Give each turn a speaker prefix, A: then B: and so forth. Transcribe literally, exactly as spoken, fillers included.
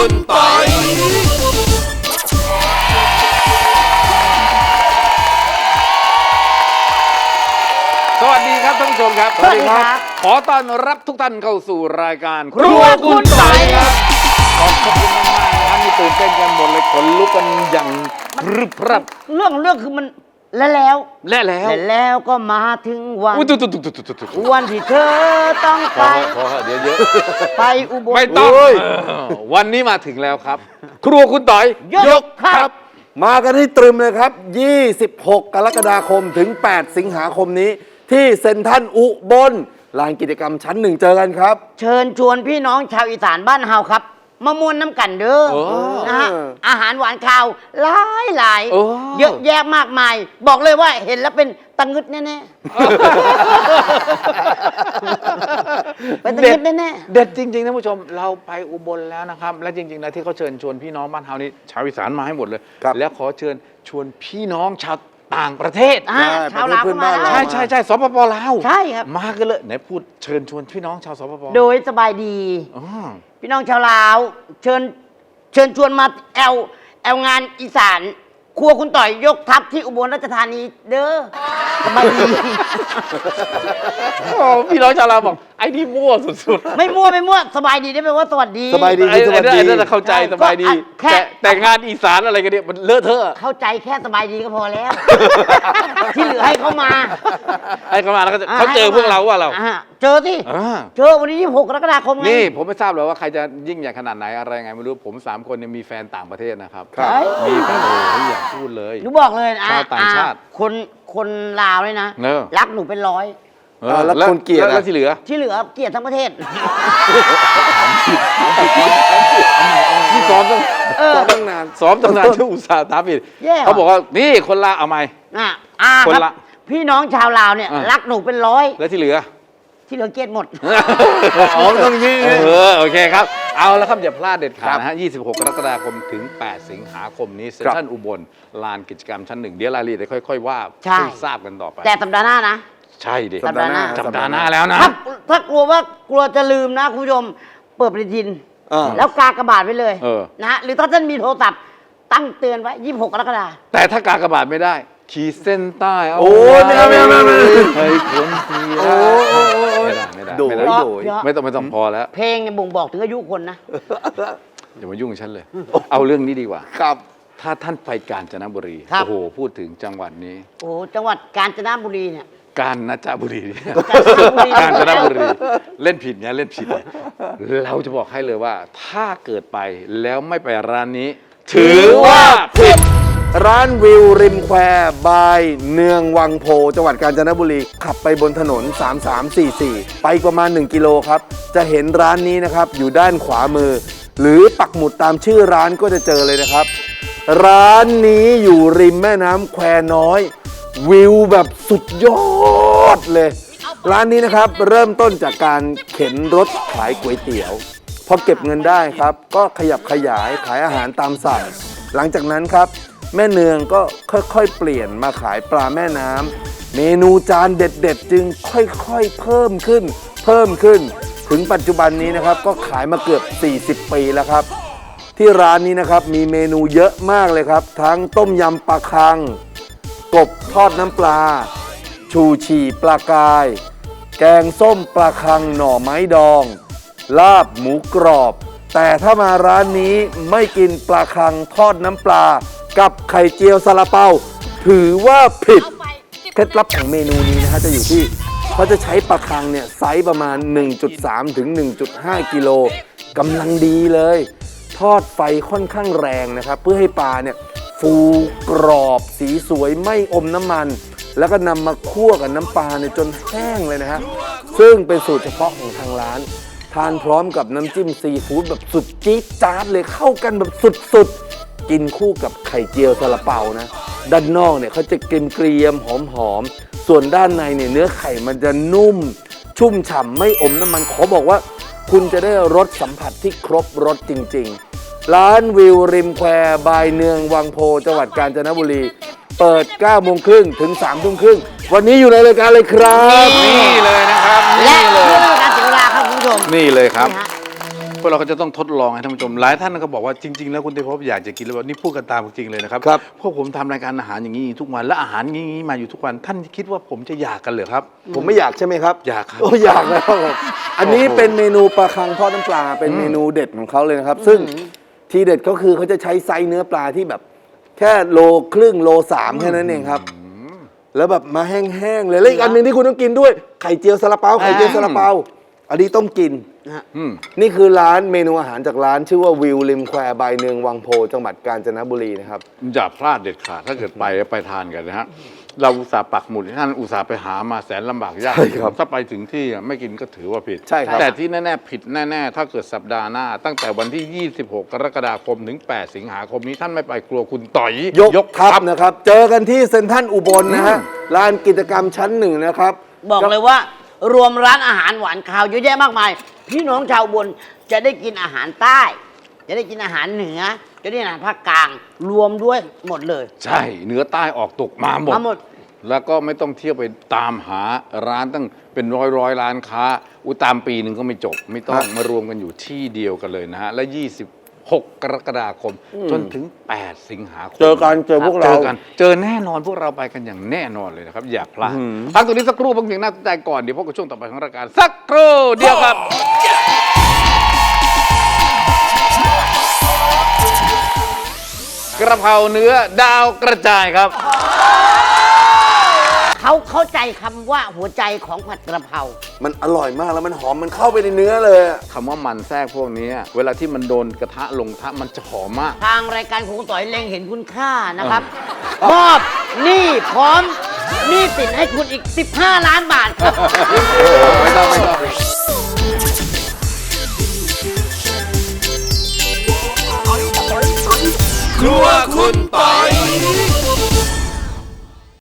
A: คุณปอยสวัสดีครับท่านผู้ชมครับ
B: สวัสดีครับ
A: ขอต้อนรับทุกท่านเข้าสู่รายการ
B: ครัวคุณปอยครับ
A: ขอบคุณมากๆนะครับมีตื่นเต้นกันหมดเลยขนลุกกันอย่างรึบรับ
B: เรื่องเรื่องคือมันและแล้ว
A: และแล้ว
B: และแล้วก็มาถึงวัน
A: อุ้ยตุ๊ดตุ๊ดตุ๊ดตุ๊ดตุ๊ด
B: วันที่เธอต้อง
A: พ
B: ไป
A: อพอเดี๋ยวเยอะ
B: ไปอุบล
A: ไม่ต้องวันนี้มาถึงแล้วครับ ครัวคุณต่อย
B: ยกครับ
C: มากันให้ตรึมเลยครับ ยี่สิบหก กรกฎาคมถึง แปด สิงหาคมนี้ ที่เซ็นทรัลอุบลลานกิจกรรมชั้นหนึ่งเจอกันครับ
B: เชิญชวนพี่น้องชาวอีสานบ้านเฮาครับมามวนน้ำกันเด้อ
A: โอ้
B: นะฮะอาหารหวานข้าวหลายหลาย
A: โอ้
B: เยอะแยะมากมาย บอกเลยว่าเห็นแล้วเป็นตังงึดแน่ๆเป็นตังงึดแน่ๆ
A: เด็ดจริงๆท่านผู้ชมเราไปอุบลแล้วนะครับและจริงๆนะที่เขาเชิญชวนพี่น้องบ้านเฮานี่ชาวอีสานมาให้หมดเลย
C: ครับ
A: แล้วขอเชิญชวนพี่น้องชาวต่างประเทศ
B: อ่าชาวลาวก็มาได้
A: ใช่ใช่ใช่สปปลาว
B: ใช่ครับ
A: มากันเลยไหนพูดเชิญชวนพี่น้องชาวสปป
B: โดยสบายดี
A: อ๋อ
B: พี่น้องชาวลาว เชิญเชิญชวนมาแอลแอลงานอีสาน ครัวคุณต่อยยกทัพที่อุบลราชธานีเด้อสบายดี
A: โอ้พี่น้องชาวลาวบอกไอ้นี่มั่วสุดๆ
B: ไม่มั่วไม่มั่วสบายดีได้แปลว่าสวัสดี
C: สบายดี
A: ไอ้
C: สวัสดี
A: ไอ้นั่นน่ะเข้าใจ
B: ใช่
A: สบายดี
B: ก็แค่
A: แต่แต่งานอีสานอะไรกันเนี่ยมันเลอะเทอะ
B: เข้าใจแค่สบายดีก็พอแล้ว ที่เหลือให้เขามา
A: ให้เขามาแล้วก็จะเขาเจอพวกเราว่าเรา
B: อ่เจอที่
A: อ่า
B: เจอวันนี้ยี่สิบหกกรกฎาคมไง
A: นี่ผมไม่ทราบเลยว่าใครจะยิ่งใหญ่ขนาดไหนอะไรไงไม่รู้ผมสามคนเนี่ยมีแฟนต่างประเทศนะครับ
C: ครับ
A: มีแฟนโอ้โหอยากพูดเลย
B: หนูบอกเลยนะ
A: ชาวต่างชาติ
B: อ่คนคนลาวเลยนะ
A: เนอะ
B: รักหนูเป็นร้อย
A: เออ
C: แล้วคนเกลียดอะ
A: แล้วที่เหลือ
B: ที่เหลือเกลียดทั้งประเทศ
A: นี่ซ้อมต้อง
B: เออ
C: ตั้งนาน
A: ซ้อมตั้งนานที่อุตส่าห์ตามอีก
B: แย่ว่ะ
A: เขาบอกว่านี่คนละเอาไหม
B: อ่ะอ่า
A: คน
B: ครับ
A: ละ
B: พี่น้องชาวลาวเนี่ย
A: อ่ะ
B: รักหนูเป็นร้อย
A: แล้วที่เหลือ
B: ที่เหลือเกลียดหมด
C: อ๋อต้องยี่
A: เออโอเคครับ เอาแล้วครับอย่าพลาดเด็ดขาดนะฮะ ยี่สิบหก กรกฎาคมถึง แปด สิงหาคมนี้เซ็นทรัลอุบลลานกิจกรรมชั้นหนึ่งเดี๋ยวรายละเอียดค่อย ๆ ว่า
B: ใช่
A: ให้ทราบกันต่อไป
B: แต่สัปดาห์หน้านะ
A: ใช่ดิ
B: สัปดาห์หน้า
A: สัปดาห์หน้าแล้วนะ
B: ถ้าถ้ากลัวว่ากลัวจะลืมนะคุณผู้ชมเปิดปฏิทิน
C: อ่า
B: แล้วกากระบาดไว้เลย
A: เออ
B: นะฮะหรือถ้าท่านมีโทรศัพท์ตั้งเตือนไว้ยี่สิบหกกรกฎาคม
A: แต่ถ้ากากบาทไม่ได้ ขีดเส้นใต้เอา
C: โอ้ยไม่เอาไม่เอาไม่เอาไม่เอา
A: เฮ้ยคนที่
C: โอ้โอ้โอ้โอ้
A: ไม่ได้ไม่ได้
C: โดย
A: ไม่ได้
C: โดย
B: เดี๋ยว
A: ไม่ต้องไม่ต้องพอแล้ว
B: เพลงเนี่ยบ่งบอกถึงอายุคนนะ
A: อย่ามายุ่งกับฉันเลย เอาเรื่องนี้ดีกว่า
C: ครับ
A: ถ้าท่านไปกาญจนบุรี
B: ครับ
A: โอ้โหพูดถึงจังหวัดนี้
B: โอ้โหจังหวัดกาญจนบุรีเนี่ย
A: กาญจนบุรีเนี่ย
B: กาญจนบุรี
A: กาญจนบุรี เล่นผิดเนี่ยเล่นผิด เราจะบอกให้เลยว่า ถ้าเกิดไปแล้วไม่ไปร้านนี้ ถือว่าผิด
C: ร้านวิวริมแควบายเนืองวังโพจังหวัดกาญจนบุรี ขับไปบนถนน สามสามสี่สี่ ไปประมาณ หนึ่ง กิโลครับ จะเห็นร้านนี้นะครับ อยู่ด้านขวามือ หรือปักหมุดตามชื่อร้านก็จะเจอเลยนะครับ ร้านนี้อยู่ริมแม่น้ำแควน้อย วิวแบบสุดยอดเลย ร้านนี้นะครับเริ่มต้นจากการเข็นรถขายก๋วยเตี๋ยว พอเก็บเงินได้ครับ ก็ขยับขยายขายอาหารตามสั่ง หลังจากนั้นครับ แม่เนืองก็ค่อยๆเปลี่ยนมาขายปลาแม่น้ำเมนูจานเด็ดๆ จึงค่อยๆเพิ่มขึ้น เพิ่มขึ้น ถึงปัจจุบันนี้นะครับก็ขายมาเกือบ สี่สิบ ปีแล้วครับ ที่ร้านนี้นะครับมีเมนูเยอะมากเลยครับ ทั้งต้มยำปลาคัง กบทอดน้ำปลา ชูชีปลากาย แกงส้มปลาคังหน่อไม้ดอง ลาบหมูกรอบ แต่ถ้ามาร้านนี้ไม่กินปลาคังทอดน้ำปลา กับไข่เจียวซาลาเปาถือว่าผิด เคล็ดลับของเมนูนี้นะฮะจะอยู่ที่เขาจะใช้ปลาคังเนี่ยไซส์ประมาณ หนึ่งจุดสาม ถึง หนึ่งจุดห้า กิโลกำลังดีเลย ทอดไฟค่อนข้างแรงนะครับ เพื่อให้ปลาเนี่ยฟูกรอบสีสวยไม่อมน้ำมัน แล้วก็นำมาคั่วกับน้ำปลาเนี่ยจนแห้งเลยนะฮะซึ่งเป็นสูตรเฉพาะของทางร้าน ทานพร้อมกับน้ำจิ้มซีฟู้ดแบบสุดจี๊ดจ๊าดเลยเข้ากันแบบสุดๆ กินคู่กับไข่เจียวซาลาเปานะ ด้านนอกเนี่ยเขาจะเกรียมๆหอมๆ ส่วนด้านในเนี่ยเนื้อไข่มันจะนุ่ม ชุ่มฉ่ำไม่อมน้ำมันขอบอกว่า คุณจะได้รสสัมผัสที่ครบรสจริงๆ ร้านวิวริมแควบายเนืองวังโพจังหวัดกาญจนบุรี เปิด เก้าโมงครึ่ง ถึง สามทุ่มครึ่ง วันนี้อยู่ในรายการเลยครับ
A: นี่เลยนะครับ
B: และ
A: นี่เล
B: เพื่อย เป็นการเสียเวลาครับคุณผู้ชม
A: นี่เลยครับ
B: นี่ฮะ
A: พวกเราก็จะต้องทดลองให้ท่านผู้ชมหลายท่านก็บอกว่าจริงๆแล้วคุณเทพภพอยากจะกินแล้วนี่พูดกันตามจริงเลยนะครับ
C: ครับ
A: พวกผมทำรายการอาหารอย่างนี้ทุกวันและอาหารอย่างนี้มาอยู่ทุกวันท่านคิดว่าผมจะอยากกันเหรอครับ
C: ผมไม่อยากใช่ไหมครับ
A: อยากครับ
C: โอ้อยากแล้วครับผมอันนี้เป็นเมนูปลาคังทอดน้ำปลาเป็นเมนูเด็ดของเขาเลยนะครับ ซึ่งทีเด็ดก็คือเขาจะใช้ไซส์เนื้อปลาที่แบบ แค่โลครึ่งโลสามแค่นั้นเองครับ แล้วแบบมาแห้งๆเลยแล้วอีกอันหนึ่งที่คุณต้องกินด้วยไข่เจียวซาลาเปาไข่เจียวซาลาเปาอันนี้ต้องกิน
A: อืม
C: นี่คือร้านเมนูอาหารจากร้านชื่อว่าวิวริมแควบายเนืองวังโพจังหวัดกาญจนบุรีนะครับ
A: อย่าพลาดเด็ดขาดถ้าเกิดไปแล้วไปทานกันนะฮะเราอุตส่าห์ปักหมุดท่านอุตส่าห์ไปหามาแสนลำบากยาก
C: ใช่ครับ
A: ถ้าไปถึงที่อ่ะไม่กินก็ถือว่าผิด
C: ใช่ครับ
A: แต่ที่แน่ๆผิดแน่ๆถ้าเกิดสัปดาห์หน้า ตั้งแต่วันที่ ยี่สิบหก กรกฎาคมถึง แปด สิงหาคมนี้ท่านไม่ไปกลัวคุณต่อย
C: ยกทัพนะครับ เจอกันที่เซ็นทรัลอุบลนะฮะลานกิจกรรมชั้นหนึ่งนะครับ
B: บอกเลยว่ารวมร้านอาหารหวานคาวเยอะแยะมากมาย พี่น้องชาวอุบลจะได้กินอาหารใต้ จะได้กินอาหารเหนือ จะได้กินอาหารภาคกลาง รวมด้วยหมดเลย
A: ใช่เหนือใต้ออกตกมาหมด
B: มาหมด
A: แล้วก็ไม่ต้องเที่ยวไปตามหาร้านตั้งเป็นร้อยร้อยร้านค้าอุยตามปีหนึ่งก็ไม่จบ ไม่ต้อง
C: ครับ
A: มารวมกันอยู่ที่เดียวกันเลยนะฮะ และ ยี่สิบหก กรกฎาคม จนถึง แปด สิงหาคม
C: เจอกันเจอพวกเรา
A: เจอกันเจอแน่นอนพวกเราไปกันอย่างแน่นอนเลยนะครับ อย่าพลาด
C: อื้อหือ
A: พักตรงนี้สักครู่บางสิ่งน่าสนใจก่อน เดี๋ยวพบกับช่วงต่อไปของรายการสักครู่เดียวครับ กระเพราเนื้อดาวกระจายครับ
B: เขาเข้าใจคำว่าหัวใจของผัดกระเพรา
C: มันอร่อยมากแล้วมันหอมมันเข้าไปในเนื้อเลยอะ
A: คำว่ามันแทรกพวกนี้ เวลาที่มันโดนกระทะลงกระทะมันจะหอมมาก
B: ทางรายการของคุณต่อยเล็งเห็นคุณค่านะครับ มอบหนี้พร้อมหนี้สินให้คุณอีก สิบห้า ล้านบาทครับ
A: ไม่ต้องไม่ต้อง
D: ครัวคุณปอย